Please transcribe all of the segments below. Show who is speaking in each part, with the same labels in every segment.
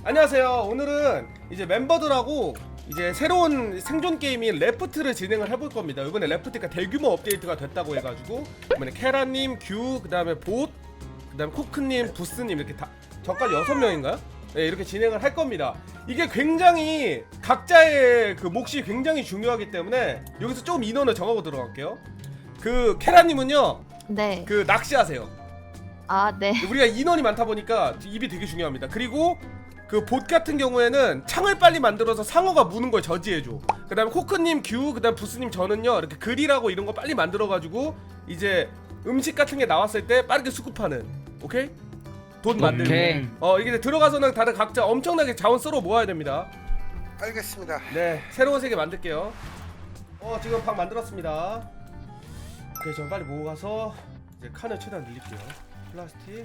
Speaker 1: 안녕하세요. 오늘은 이제 멤버들하고 이제 새로운 생존 게임인 레프트를 진행을 해볼 겁니다. 이번에 레프트가 대규모 업데이트가 됐다고 해가지고 이번에 케라님, 규, 그 다음에 봇, 그 다음에 코크님, 부스님 이렇게 다 저까지 6명인가요? 네, 이렇게 진행을 할 겁니다. 이게 굉장히 각자의 그 몫이 굉장히 중요하기 때문에 여기서 좀 인원을 정하고 들어갈게요. 그 케라님은요,
Speaker 2: 네.
Speaker 1: 그 낚시하세요.
Speaker 2: 아, 네.
Speaker 1: 우리가 인원이 많다 보니까 입이 되게 중요합니다. 그리고 그 봇 같은 경우에는 창을 빨리 만들어서 상어가 무는 걸 저지해줘. 그 다음에 코크님, 규, 그 다음 부스님 저는요 이렇게 그릴하고 이런 거 빨리 만들어가지고 이제 음식 같은 게 나왔을 때 빠르게 수급하는. 오케이? 돈 만들고. 이게 들어가서는 다들 각자 엄청나게 자원 썰어 모아야 됩니다.
Speaker 3: 알겠습니다.
Speaker 1: 네, 새로운 세계 만들게요. 지금 방 만들었습니다. 오케이, 저 빨리 모아서 이제 칸을 최대한 늘릴게요. 플라스틱.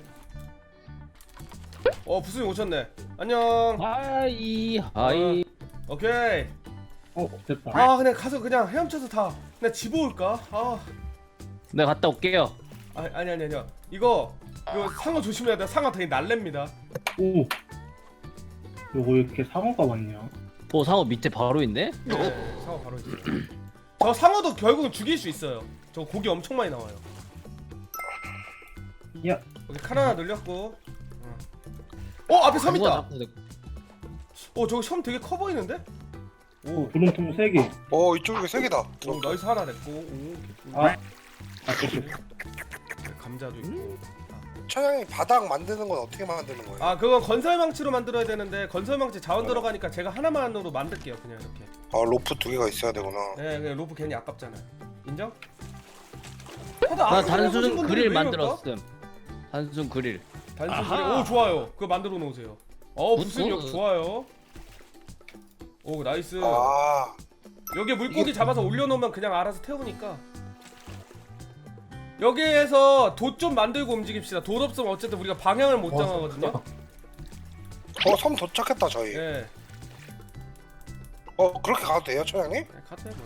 Speaker 1: 부수님 오셨네. 안녕.
Speaker 4: 하이.
Speaker 1: 오케이.
Speaker 5: 됐다.
Speaker 1: 그냥 가서 그냥 헤엄쳐서 다 그냥 집어올까?
Speaker 4: 내가 갔다 올게요.
Speaker 1: 아니야. 이거 상어 조심해야 돼. 상어 되게 날렵니다.
Speaker 5: 오. 요거 왜 이렇게 상어가 많냐?
Speaker 4: 상어 밑에 바로 있네?
Speaker 1: 네, 상어 바로 있어. 저 상어도 결국은 죽일 수 있어요. 저 고기 엄청 많이 나와요.
Speaker 5: 야.
Speaker 1: 오케이, 칸 하나 늘렸고. 앞에 섬 있다. 저거 섬 되게 커 보이는데?
Speaker 5: 오, 구름통 3개.
Speaker 3: 이쪽에 3개다.
Speaker 1: 나이스 하나 냈고. 감자도 있고.
Speaker 3: 천양이 바닥 만드는 건 어떻게 만드는 거예요?
Speaker 1: 그건 건설망치로 만들어야 되는데 건설망치 자원 들어가니까 제가 하나만으로 만들게요. 그냥 이렇게.
Speaker 3: 로프 2개가 있어야 되구나.
Speaker 1: 네, 그냥 로프 괜히 아깝잖아요. 인정?
Speaker 4: 나 단순 그릴 만들었음. 단순 그릴.
Speaker 1: 단순 그릴. 오, 좋아요. 그거 만들어 놓으세요. 무슨 역 좋아요. 오, 나이스. 여기에 물고기 잡아서 올려놓으면 그냥 알아서 태우니까. 여기에서 돛 좀 만들고 움직입시다. 돛 없으면 어쨌든 우리가 방향을 못 정하거든요.
Speaker 3: 섬 도착했다 저희.
Speaker 1: 네.
Speaker 3: 그렇게 가도 돼요 천양님?
Speaker 1: 카트 해버려.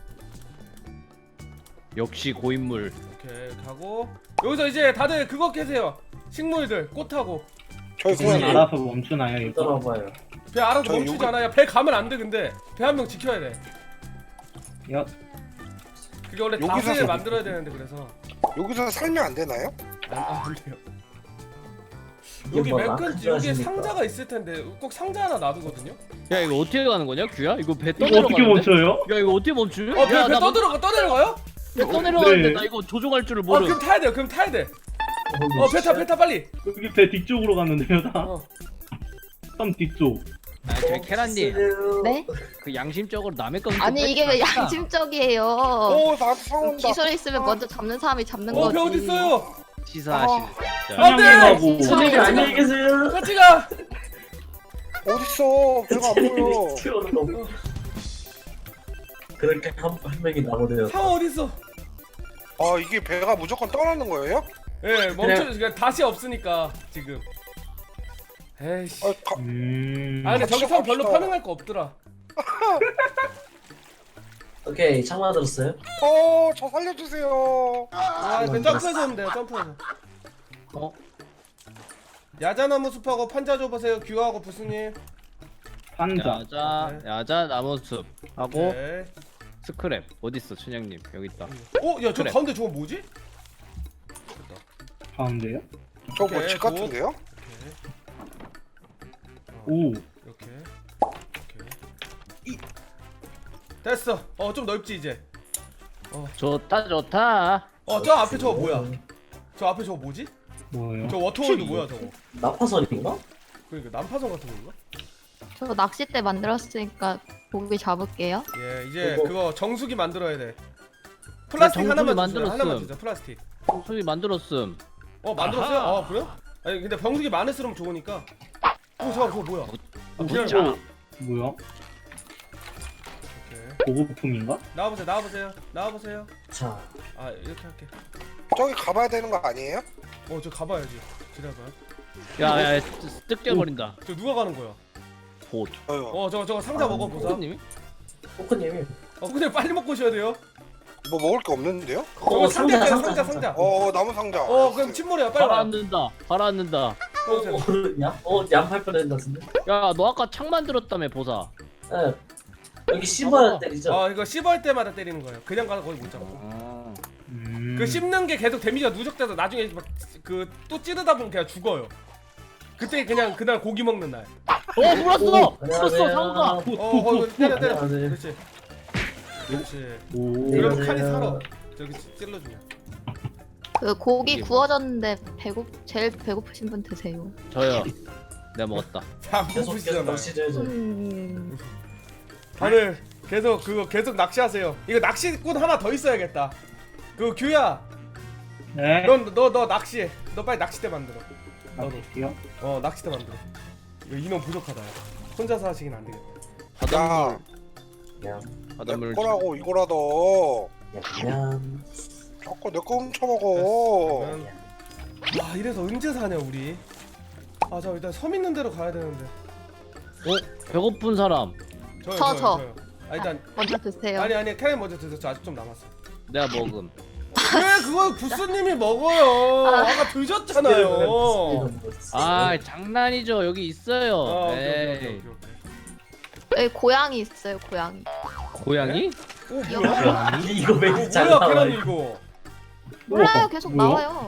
Speaker 4: 역시 고인물.
Speaker 1: 오케이, 가고 여기서 이제 다들 그거 캐세요. 식물들, 꽃하고.
Speaker 3: 저희
Speaker 5: 그냥
Speaker 3: 그냥
Speaker 5: 알아서 멈추나요 이거?
Speaker 1: 배 알아서
Speaker 3: 저희
Speaker 1: 멈추지 않아요. 배 가면 안 돼. 근데 배 한 명 지켜야 돼.
Speaker 5: 야.
Speaker 1: 그게 원래
Speaker 3: 여기서
Speaker 1: 다스를 만들어야 되는데 그래서
Speaker 3: 여기서 살면 안 되나요?
Speaker 1: 안 돼요. 여기 맨 끝 여기에 상자가 있을 텐데 꼭 상자 하나 놔두거든요.
Speaker 4: 야 이거 어떻게 가는 거냐 규야? 이거 배
Speaker 5: 이거
Speaker 4: 떠내려가는데?
Speaker 5: 어떻게 멈춰요?
Speaker 4: 야 이거 어떻게 멈추?
Speaker 1: 배 떠내려가요?
Speaker 4: 배 떠내려가는데
Speaker 5: 네.
Speaker 4: 나 이거 조종할 줄을 모르.
Speaker 1: 그럼 타야 돼요. 그럼 타야 돼. 배 타 빨리.
Speaker 5: 여기 배 뒤쪽으로 갔는데요 다? 섬 뒤쪽.
Speaker 4: 저희 케란님
Speaker 2: 네?
Speaker 4: 그 양심적으로 남의 건
Speaker 2: 아니, 이게 왜 양심적이에요?
Speaker 3: 나한테 상어 온다.
Speaker 2: 기술 있으면 먼저 잡는 사람이 잡는
Speaker 1: 배
Speaker 2: 거지.
Speaker 1: 어디 있어요?
Speaker 4: 치사하시네.
Speaker 1: 안 돼!
Speaker 5: 천양님하고
Speaker 2: 선생님, 안녕히
Speaker 6: 계세요.
Speaker 1: 같이 가.
Speaker 3: 어딨어? 배가 안 보여.
Speaker 6: 그렇게 한 명이 나오네요.
Speaker 1: 상어 어디 있어?
Speaker 3: 이게 배가 무조건 떠나는 거예요?
Speaker 1: 예, 그러니까 다시 없으니까 지금. 에이씨. 근데 저기 상 별로
Speaker 3: 갑시다.
Speaker 1: 파밍할 거 없더라.
Speaker 6: 오케이, 창 만들었어요?
Speaker 3: 저 살려주세요.
Speaker 1: 그 점프해서 오면 돼요. 점프해서. 야자나무 숲하고 판자 줘보세요. 규하고 부스님.
Speaker 5: 판자.
Speaker 4: 야자 나무숲 하고
Speaker 1: 네.
Speaker 4: 스크랩 어딨어 춘향님 여기 있다.
Speaker 1: 야, 저
Speaker 4: 그래.
Speaker 1: 가운데 저거 뭐지?
Speaker 5: 가운데요?
Speaker 3: 저
Speaker 1: 오케이,
Speaker 3: 집 같은데요?
Speaker 5: 오.
Speaker 1: 이렇게. 됐어. 좀 넓지 이제.
Speaker 4: 좋다 좋다.
Speaker 1: 저 앞에 저거 뭐야? 저 앞에 저거 뭐지?
Speaker 5: 뭐예요?
Speaker 1: 저 워터월드 뭐야 저거?
Speaker 6: 나파선인가?
Speaker 1: 그러니까 난파선 같은 건가?
Speaker 2: 저 낚싯대 만들었으니까 고기 잡을게요.
Speaker 1: 예, 이제
Speaker 6: 그거-
Speaker 1: 그거 정수기 만들어야 돼. 플라스틱
Speaker 4: 정수기
Speaker 1: 하나만 주세요.
Speaker 4: 만들었음.
Speaker 1: 하나만 주자. 플라스틱.
Speaker 4: 소리 만들었음.
Speaker 1: 만들었어요? 그래요? 아니 근데 병수기 많을수록 좋으니까. 잠깐 그거 뭐야?
Speaker 4: 진짜.
Speaker 5: 뭐야?
Speaker 1: 오케이.
Speaker 5: 보급품인가?
Speaker 1: 나와보세요.
Speaker 6: 자,
Speaker 1: 이렇게 할게.
Speaker 3: 저기 가봐야 되는 거 아니에요?
Speaker 1: 저 가봐야지. 기다려봐요.
Speaker 4: 야야 뜯겨버린다.
Speaker 1: 저 누가 가는 거야?
Speaker 4: 봇.
Speaker 3: 저요.
Speaker 1: 저거 상자 먹어보자.
Speaker 4: 호크님이?
Speaker 6: 포크님이.
Speaker 1: 근데 빨리 먹고 오셔야 돼요.
Speaker 3: 뭐 먹을 게 없는데요?
Speaker 1: 저거
Speaker 6: 상자.
Speaker 3: 나무 상자.
Speaker 1: 그럼 침몰이야. 빨리 와.
Speaker 4: 가라앉는다.
Speaker 6: 야? 양팔 뻔했나 같은데?
Speaker 4: 야 너 아까 창 만들었다며 보사.
Speaker 6: 예. 여기 씹어야 때리죠?
Speaker 1: 이거 씹을 때마다 때리는 거예요. 그냥 가서 거의 못 잡아. 그 씹는 게 계속 데미지가 누적돼서 나중에 그 또 찌르다 보면 그냥 죽어요. 그때 그냥 그날 고기 먹는 날.
Speaker 4: 물었어.
Speaker 6: 안녕하세요.
Speaker 4: 물었어 상가.
Speaker 1: 때려.
Speaker 6: 안녕하세요.
Speaker 1: 그렇지. 그렇지.
Speaker 5: 오.
Speaker 1: 그러면 칼이 살아. 저기 찔러주면.
Speaker 2: 그 고기
Speaker 4: 이게
Speaker 2: 구워졌는데 제일 배고프신 분 드세요.
Speaker 4: 저요. 내가 먹었다.
Speaker 1: 다
Speaker 6: 계속
Speaker 1: 고프시잖아요.
Speaker 6: 낚시줘야죠.
Speaker 1: 다들 계속 낚시하세요. 이거 낚시꾼 하나 더 있어야겠다. 그 규야,
Speaker 5: 네.
Speaker 1: 너 낚시해. 너 빨리 낚싯대 만들어. 너도.
Speaker 5: 낚시요?
Speaker 1: 낚싯대 만들어. 이거 인원 부족하다. 혼자서 하시긴 안 되겠다.
Speaker 4: 바닷물.
Speaker 6: 야,
Speaker 3: 내
Speaker 4: 바닷물.
Speaker 3: 거라고 이거라도
Speaker 6: 냠.
Speaker 3: 자꾸 내 거 훔쳐먹어.
Speaker 1: 그러면 이래서 언제 사냐 우리. 자 일단 섬 있는 데로 가야 되는데.
Speaker 4: 배고픈 사람.
Speaker 1: 저요. 일단
Speaker 2: 먼저 드세요.
Speaker 1: 아니 캐럿 먼저 드세요. 저 아직 좀 남았어.
Speaker 4: 내가 먹음.
Speaker 1: 왜 그걸 구스님이 먹어요? 아까 드셨잖아요.
Speaker 4: 장난이죠. 여기 있어요.
Speaker 1: 오케이.
Speaker 2: 여기 고양이 있어요. 고양이.
Speaker 4: 고양이?
Speaker 1: 뭐야?
Speaker 6: 이거 왜 잘
Speaker 1: 뭐야
Speaker 6: 나와?
Speaker 1: 캐럿 이거?
Speaker 2: 몰라요. 계속
Speaker 5: 뭐야?
Speaker 2: 나와요.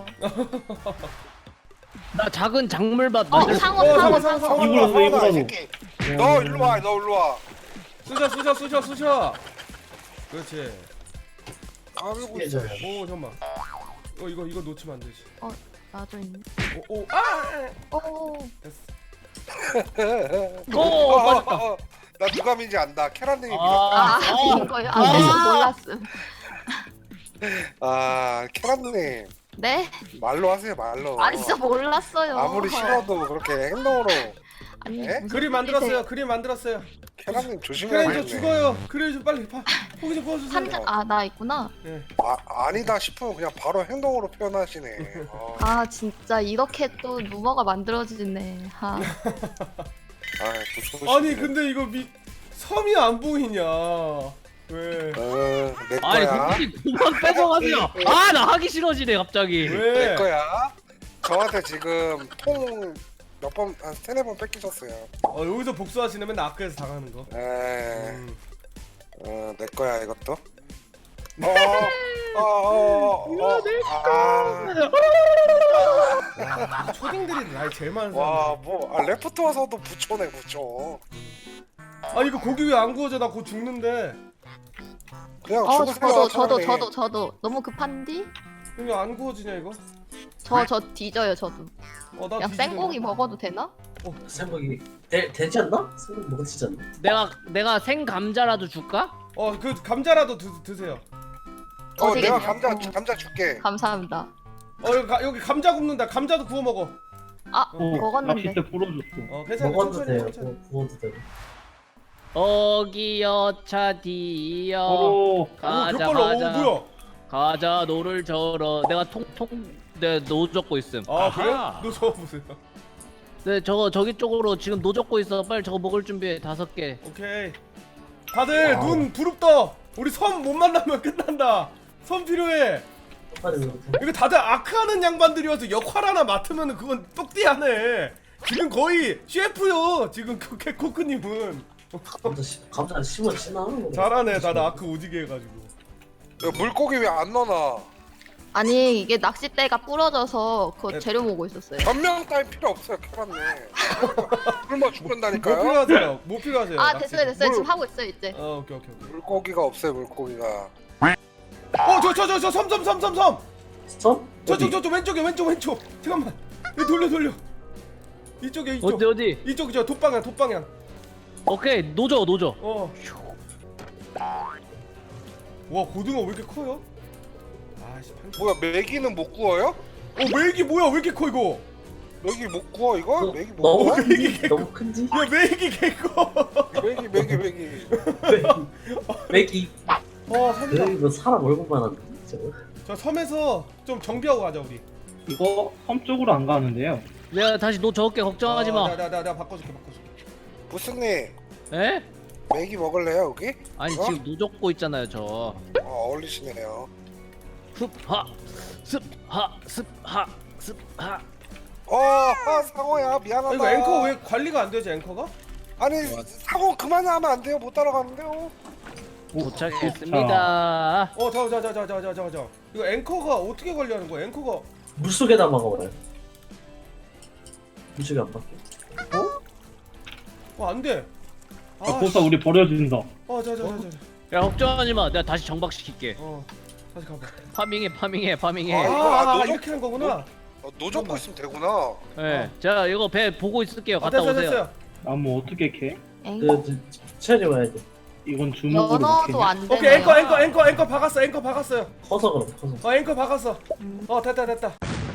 Speaker 4: 나 작은 작물밭 만들.
Speaker 2: 상어.
Speaker 5: 이거라도.
Speaker 3: 이 새끼. 너 일로 와.
Speaker 1: 쑤셔. 그렇지.
Speaker 3: 아이고.
Speaker 1: 오 잠만. 이거 놓치면 안 되지.
Speaker 2: 나도 있네.
Speaker 1: 됐어.
Speaker 4: 맞았다.
Speaker 3: 나 누가 민지 안다. 캐란님이
Speaker 2: 인 거예요? 그래서 몰랐음.
Speaker 3: 캐란님
Speaker 2: 네?
Speaker 3: 말로 하세요 말로.
Speaker 2: 진짜 몰랐어요.
Speaker 3: 아무리 싫어도 그렇게 행동으로.
Speaker 2: 아니,
Speaker 3: 에?
Speaker 2: 무슨
Speaker 1: 그림
Speaker 2: 소리세요?
Speaker 1: 만들었어요.
Speaker 3: 캐란님
Speaker 1: 그래
Speaker 3: 조심해야
Speaker 1: 저 죽어요. 그래 좀 빨리 고기 좀 구워주세요.
Speaker 2: 나 있구나.
Speaker 1: 네.
Speaker 3: 아니다 싶으면 그냥 바로 행동으로 표현하시네.
Speaker 2: 진짜 이렇게 또 루머가 만들어지네.
Speaker 1: 아니 근데 이거 섬이 안 보이냐? 왜?
Speaker 3: 내
Speaker 4: 아니
Speaker 3: 거야.
Speaker 4: 굳이 그만 뺏어가세요. 나 하기 싫어지네 갑자기.
Speaker 3: 내
Speaker 1: 왜?
Speaker 3: 거야. 저한테 지금 통 몇 번, 한 3-4번 뺏기셨어요.
Speaker 1: 여기서 복수하시면 맨날 아크에서 당하는 거.
Speaker 3: 내 거야 이것도.
Speaker 1: 초딩들이 나이 제일 많은
Speaker 3: 와,
Speaker 1: 사람.
Speaker 3: 레프트 와서도 부초네 부초.
Speaker 1: 이거 고기 왜 안 구워져? 나 곧 죽는데.
Speaker 3: 그냥 죽으세요. 차라리.
Speaker 2: 저도 너무 급한디?
Speaker 1: 이거 안 구워지냐 이거?
Speaker 2: 저 뒤져요 저도.
Speaker 1: 나
Speaker 2: 그냥
Speaker 1: 뒤지네.
Speaker 2: 생고기 먹어도 되나?
Speaker 6: 생고기 되지 않나? 생고기 먹어지지 않나?
Speaker 4: 내가 생 감자라도 줄까?
Speaker 1: 그 감자라도 드세요.
Speaker 3: 내가
Speaker 2: 어디겠냐?
Speaker 3: 감자 줄게.
Speaker 2: 감사합니다.
Speaker 1: 여기 감자 굽는다. 감자도 구워 먹어.
Speaker 2: 먹었는데.
Speaker 5: 낚싯대 부러졌어.
Speaker 1: 괜찮아.
Speaker 6: 먹어도 돼요.
Speaker 1: 천천히.
Speaker 6: 구워도 돼요.
Speaker 4: 어기여차 디여
Speaker 5: 오.
Speaker 4: 가자 가자 노를 저러. 내가 내가 노 적고 있음.
Speaker 1: 그래? 너 저거 보세요.
Speaker 4: 네 저기 쪽으로 지금 노 적고 있어. 빨리 저거 먹을 준비해. 5개.
Speaker 1: 오케이. 다들 눈 부릅떠. 우리 섬 못 만나면 끝난다. 섬 필요해. 이거 다들 아크하는 양반들이어서 역할 하나 맡으면 그건 똑띠하네. 지금 거의 셰프요. 지금 코크님은
Speaker 6: 감자 심어 지나는 거.
Speaker 1: 잘하네. 다들 아크 오지게 해가지고.
Speaker 3: 물고기 왜 안 넣어놔?
Speaker 2: 아니 이게 낚싯대가 부러져서 그 재료 모으고 있었어요.
Speaker 3: 변명 따위 필요 없어요, 캐란님. 굶어
Speaker 1: 뭐
Speaker 3: 죽는다니까요.
Speaker 1: 필요하세요? 뭐 필요하세요?
Speaker 2: 됐어요. 지금 하고 있어요 이제.
Speaker 1: 오케이.
Speaker 3: 물고기가 없어요, 물고기가.
Speaker 1: 저 섬.
Speaker 6: 섬?
Speaker 1: 저 왼쪽. 잠깐만. 이거 돌려. 이쪽.
Speaker 4: 어디?
Speaker 1: 이쪽 저 돛방향.
Speaker 4: 오케이 노져.
Speaker 1: 와 고등어 왜 이렇게 커요?
Speaker 3: 뭐야, 메기는 못 구워요?
Speaker 1: 메기 뭐야? 왜 이렇게 커 이거?
Speaker 3: 메기 못 구워 이거? 메기 못
Speaker 6: 너무
Speaker 3: 구워?
Speaker 6: 큰지? 너무 큰지?
Speaker 1: 야 메기 개커.
Speaker 3: 메기.
Speaker 6: 맥이
Speaker 1: 섬이다.
Speaker 6: 여기 뭐 사람 얼굴만 한데 저거.
Speaker 1: 저 섬에서 좀 정비하고 가자 우리.
Speaker 5: 이거 섬 쪽으로 안 가는데요.
Speaker 4: 내가 다시 노 적을게. 걱정하지 마.
Speaker 1: 내가 바꿔줄게.
Speaker 3: 무슨님,
Speaker 4: 에?
Speaker 3: 메기 먹을래요 여기?
Speaker 4: 아니 지금 노 적고 있잖아요 저.
Speaker 3: 어울리시네요.
Speaker 4: 습하.
Speaker 3: 상호야 미안하다.
Speaker 1: 이거 앵커 왜 관리가 안 되지 앵커가?
Speaker 3: 아니 상호 그만하면 안 돼요. 못 따라가는데요.
Speaker 4: 도착했습니다.
Speaker 1: 자. 이거 앵커가 어떻게 관리하는 거야? 앵커가
Speaker 6: 물속에다 막아봐요. 물속에 안 박혀.
Speaker 1: 안 돼.
Speaker 5: 보사 우리 버려준다.
Speaker 1: 자.
Speaker 4: 야 걱정하지 마. 내가 다시 정박시킬게.
Speaker 1: 다시 가봐.
Speaker 4: 파밍해.
Speaker 1: 이렇게 하는 거구나.
Speaker 3: 노 잡고 있으면 되구나.
Speaker 4: 네. 자 이거 배 보고 있을게요. 갔다 오세요.
Speaker 1: 됐어요.
Speaker 5: 나무 어떻게 캐?
Speaker 2: 앵커
Speaker 6: 체리 와야 돼.
Speaker 5: 이건 주먹으로
Speaker 2: 연어도
Speaker 5: 캐냐?
Speaker 2: 안
Speaker 1: 오케이
Speaker 2: 되네요.
Speaker 1: 앵커 박았어.
Speaker 6: 커서 그럼 커서.
Speaker 1: 앵커 박았어. 됐다.